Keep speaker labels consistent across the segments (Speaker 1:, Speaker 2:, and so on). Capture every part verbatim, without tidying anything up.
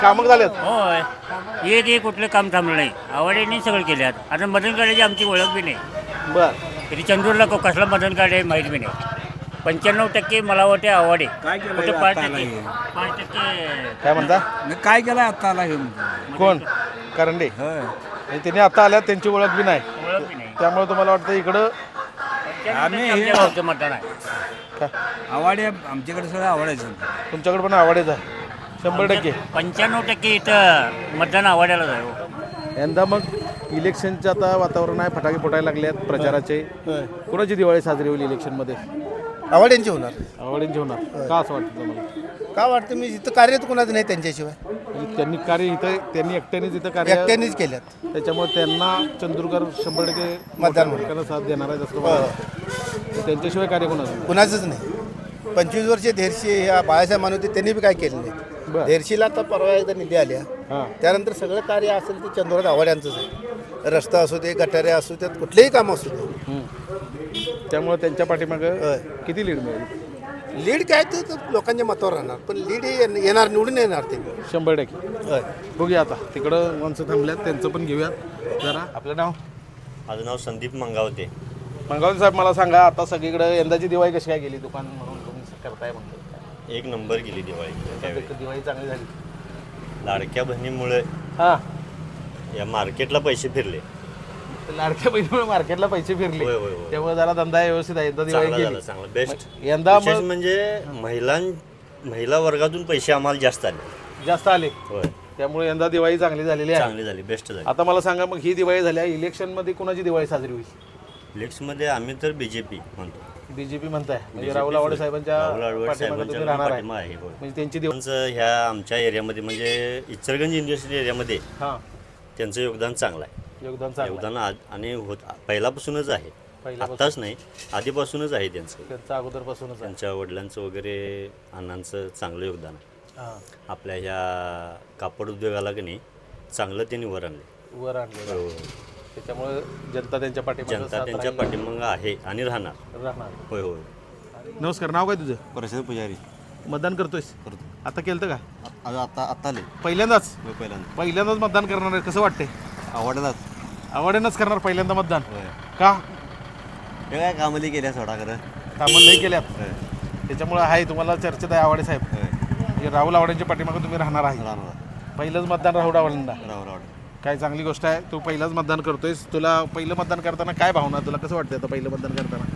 Speaker 1: कामं झालेत.
Speaker 2: होय हे ते कुठलं काम थांबलं नाही. आवडीने सगळं केल्यात. आता मदन कार्डाची आमची ओळख बी नाही.
Speaker 1: बर
Speaker 2: तरी चंदूरला को- कसलं मदन कार्ड आहे माहीत बी नाही. पंच्याण्णव टक्के मला वाटते आवडे कुठे पाच टक्के पाच टक्के
Speaker 1: काय म्हणता
Speaker 3: काय केलं आता आला घेऊन
Speaker 1: कोण करंडे आणि त्यांनी आता आल्यात त्यांची ओळख बी नाही
Speaker 2: ओळख बी नाही.
Speaker 1: त्यामुळे तुम्हाला वाटतं इकडं
Speaker 2: आम्ही आमच्या गावचं मतदान आहे.
Speaker 1: काय
Speaker 3: आवाडे आमच्याकडे सगळं आवडायचं.
Speaker 1: तुमच्याकडे पण आवडेच आहे शंभर टक्के.
Speaker 2: पंच्याण्णव टक्के इथं मतदान आवडायला जाऊ.
Speaker 1: यंदा मग इलेक्शनचं आता वातावरण आहे, फटाके फुटायला लागले आहेत प्रचाराचे. कुणाची दिवाळी साजरी होईल इलेक्शनमध्ये?
Speaker 4: आवड्यांची होणार.
Speaker 1: आवडींची होणार का असं वाटतं तुम्हाला?
Speaker 4: का वाटतं मी इथं कार्य तर कुणाचं नाही त्यांच्याशिवाय,
Speaker 1: म्हणजे त्यांनी कार्य इथं त्यांनी एकट्यानेच इथं कार्य
Speaker 4: एकट्यानेच केल्यात.
Speaker 1: त्याच्यामुळे त्यांना चंद्रकर शंभर टक्के
Speaker 4: मतदान
Speaker 1: लोकांना साथ देणार आहे असं मला वाटतं. त्यांच्याशिवाय कार्य कोणाचं?
Speaker 4: कुणाचंच नाही. पंचवीस वर्षे धेरशी ह्या बाळासाहेब मानवते त्यांनी बी काय केलं नाही.
Speaker 1: बरं.
Speaker 4: धेरशीला आता परवा एकदा निधी आल्या,
Speaker 1: हां
Speaker 4: त्यानंतर सगळं कार्य असेल ते चंद्रात आवड्यांचंच आहे. रस्ता असू दे, गटारे असू देत, कुठलेही काम असू दे.
Speaker 1: त्यामुळे त्यांच्या पाठीमागं किती लीड मिळेल?
Speaker 4: लीड काय ते तर लोकांच्या मतावर राहणार, पण लीड हे येणार, निवडून येणार ते.
Speaker 1: शंभर टक्के. बघूया आता तिकडं माणसं थांबल्यात त्यांचं पण घेऊयात जरा. आपलं नाव?
Speaker 5: माझं नाव संदीप मंगावते.
Speaker 1: मंगावते साहेब, मला सांगा आता सगळीकडे यंदाची दिवाळी कशी काय गेली? दुकान म्हणून तुम्ही करताय म्हणतो
Speaker 5: एक नंबर गेली दिवाळी त्यावेळी.
Speaker 1: दिवाळी चांगली झाली.
Speaker 5: लाडक्या बहिणीमुळे
Speaker 1: हां
Speaker 5: या मार्केटला पैसे फिरले.
Speaker 1: लाडक्या बहिणीमुळे मार्केटला पैसे फिरले,
Speaker 5: होय, होय, होय.
Speaker 1: त्यामुळे जरा धंदा व्यवस्थित आहे. यंदा दिवाळी
Speaker 5: चांगलं झालं,
Speaker 1: गेली
Speaker 5: चांगलं बेस्ट.
Speaker 1: यंदा
Speaker 5: विशेष
Speaker 1: मग
Speaker 5: म्हणजे महिलां महिला वर्गातून पैसे आम्हाला जास्त आले.
Speaker 1: जास्त आले,
Speaker 5: होय
Speaker 1: त्यामुळे यंदा दिवाळी चांगली झालेली आहे.
Speaker 5: चांगली झाली, बेस्ट झाली.
Speaker 1: आता मला सांगा, मग ही दिवाळी झाली, इलेक्शनमध्ये कुणाची दिवाळी साजरी होईल?
Speaker 5: इलेक्शनमध्ये आम्ही तर बीजेपी म्हणतो.
Speaker 1: बीजेपी म्हणताय म्हणजे
Speaker 5: BJP
Speaker 1: राहुल आवडे साहेबांच्या
Speaker 5: राहुल आवडे
Speaker 1: पाठीमागे
Speaker 5: साहेबांच्या
Speaker 1: तुम्ही राहणार आहे.
Speaker 5: पाठिंबा आहे, होय.
Speaker 1: म्हणजे त्यांची दिवाळी.
Speaker 5: त्यांचं ह्या आमच्या एरियामध्ये म्हणजे इचलगंज इंडस्ट्रियल एरियामध्ये
Speaker 1: हां
Speaker 5: त्यांचं योगदान चांगलं आहे.
Speaker 1: योगदान चांगलं
Speaker 5: योगदान आज आणि होत पहिल्यापासूनच आहे.
Speaker 1: पहिल्यापासून.
Speaker 5: आत्ताच नाही, आधीपासूनच आहे त्यांचं.
Speaker 1: त्यांचं अगोदरपासूनच आहे.
Speaker 5: त्यांच्या वडिलांचं वगैरे अण्णांचं चांगलं योगदान आहे.
Speaker 1: हां
Speaker 5: आपल्या ह्या कापड उद्योगाला की नाही चांगलं त्यांनी वर आणले.
Speaker 1: वर आणलेलं आहे. त्याच्यामुळे जनता त्यांच्या पाठीमागे
Speaker 5: जनता
Speaker 1: साथ
Speaker 5: त्यांच्या
Speaker 1: राहील.
Speaker 5: पाठीमागं आहे आणि राहणार.
Speaker 1: राहणार.
Speaker 5: होय होय.
Speaker 1: नमस्कार, नाव काय तुझं?
Speaker 6: प्रशांत पुजारी.
Speaker 1: मतदान करतोयस?
Speaker 6: करतो.
Speaker 1: आता केलं का?
Speaker 6: आज आता आत्ता आले
Speaker 1: पहिल्यांदाच
Speaker 6: पहिल्यांदा
Speaker 1: पहिल्यांदाच मतदान करणार आहे, कसं वाटतंय?
Speaker 6: आवडतात.
Speaker 1: आवडेनच करणार पहिल्यांदा मतदान
Speaker 6: होय.
Speaker 1: का?
Speaker 6: हे काय कामली केल्या सोडा खरं.
Speaker 1: कामं नाही केल्यात,
Speaker 6: होय.
Speaker 1: त्याच्यामुळे आहे तुम्हाला चर्चेत आहे आवडे साहेब.
Speaker 6: होय.
Speaker 1: म्हणजे राहुल आवडेंच्या पाठीमागे तुम्ही राहणार आहे.
Speaker 6: राहणार
Speaker 1: पहिलंच मतदान राहुल आवडेंना,
Speaker 6: राहू राहू
Speaker 1: काय चांगली गोष्ट आहे. तू पहिलंच मतदान करतोयस. तुला पहिलं मतदान करताना काय भावना, तुला कसं वाटतं आता पहिलं मतदान करताना?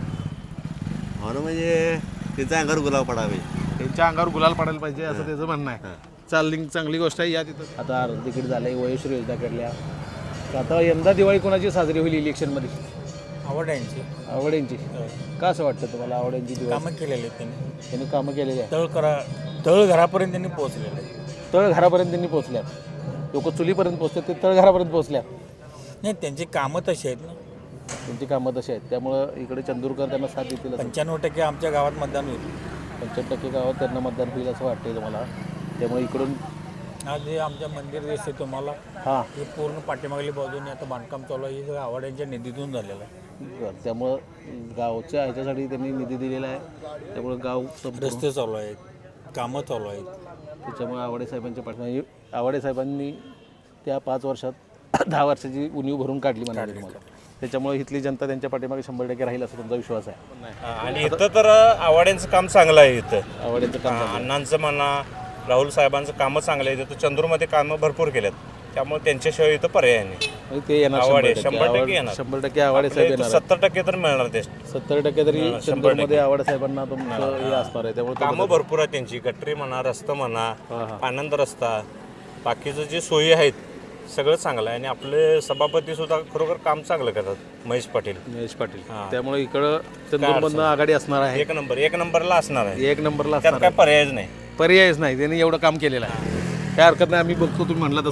Speaker 6: हो ना, म्हणजे तिचा अंगावर गुलाब पडावे.
Speaker 1: त्यांच्या अंगावर गुलाल पडायला पाहिजे असं त्याचं म्हणणं आहे. चालली चांगली गोष्ट आहे. या तिथं आता अर्ध तिकीट झालंय, वयोश्री योजना काढल्या. तर आता यंदा दिवाळी कोणाची साजरी होईल इलेक्शनमध्ये?
Speaker 7: आवड्यांची
Speaker 1: आवडेंची. का असं वाटतं तुम्हाला आवडेंची दिवाळी?
Speaker 7: कामं केलेले आहेत त्यांनी.
Speaker 1: त्यांनी कामं केलेली आहे.
Speaker 7: तळ करा तळ घरापर्यंत त्यांनी पोहोचलेले आहे.
Speaker 1: तळ घरापर्यंत त्यांनी पोहोचल्यात. लोक चुलीपर्यंत पोहोचतात, ते तळघरापर्यंत पोहोचल्यात.
Speaker 7: नाही, त्यांची कामं तशी आहेत ना.
Speaker 1: त्यांची कामं तशी आहेत, त्यामुळं इकडे चंदूरकर त्यांना साथ देतील. असं
Speaker 7: पंच्याण्णव टक्के आमच्या गावात मतदान होईल.
Speaker 1: पंच्याहत्तर टक्के गावात त्यांना मतदान होईल असं वाटतंय तुम्हाला? त्यामुळे इकडून
Speaker 7: आज हे आमच्या मंदिर दिसते तुम्हाला,
Speaker 1: हां
Speaker 7: हे पूर्ण पाठीमागली बाजूने आता बांधकाम चालू आहे. हे सगळं आवड्यांच्या निधीतून झालेलं आहे.
Speaker 1: त्यामुळं गावच्या ह्याच्यासाठी त्यांनी निधी दिलेला आहे. त्यामुळं गाव संपूर्ण-
Speaker 7: रस्ते चालू आहेत, कामं चालू आहेत.
Speaker 1: त्याच्यामुळे आवडे साहेबांच्या पाठीमागे आवडे साहेबांनी त्या पाच वर्षात दहा वर्षाची उणीव भरून काढली म्हणाली तुम्हाला. त्याच्यामुळे इथली जनता त्यांच्या पाठीमागे शंभर टक्के राहील असं तुमचा विश्वास आहे?
Speaker 8: आणि इथं तर आवाड्यांचं काम चांगलं आहे. इथं
Speaker 1: आवडेचं काम झालं.
Speaker 8: अण्णांचं म्हणा, राहुल साहेबांचं कामं चांगलं आहे. इथं चंद्रमध्ये कामं भरपूर केल्यात, त्यामुळे त्यांच्याशिवाय इथं पर्याय नाही.
Speaker 1: म्हणजे ते येणार
Speaker 8: आवडे
Speaker 1: शंभर
Speaker 8: शंभर
Speaker 1: टक्के
Speaker 8: टक्के येणार.
Speaker 1: शंभर टक्के आवडे साहेब येणार.
Speaker 8: सत्तर टक्के तर मिळणार ते.
Speaker 1: सत्तर टक्के तरी
Speaker 8: शंभर
Speaker 1: चंद्रमध्ये आवडे साहेबांना तुमचं हे असणार आहे. त्यामुळे
Speaker 8: कामं भरपूर आहेत त्यांची. गटरी म्हणा, रस्ता म्हणा, आनंद रस्ता, बाकीचं जे सोयी आहेत सगळं चांगलं आहे. आणि आपले सभापती सुद्धा खरोखर काम चांगलं करतात, महेश पाटील.
Speaker 1: महेश पाटील. त्यामुळे इकडं चंद्रमधनं आघाडी असणार आहे.
Speaker 8: एक नंबर एक नंबरला असणार आहे.
Speaker 1: एक नंबरला
Speaker 8: त्यात
Speaker 1: असणार
Speaker 8: काय
Speaker 1: आहे.
Speaker 8: पर्यायच नाही.
Speaker 1: पर्यायच नाही. त्यांनी एवढं काम केलेलं आहे, काय हरकत नाही. आम्ही बघतो तुम्ही म्हणला तसं.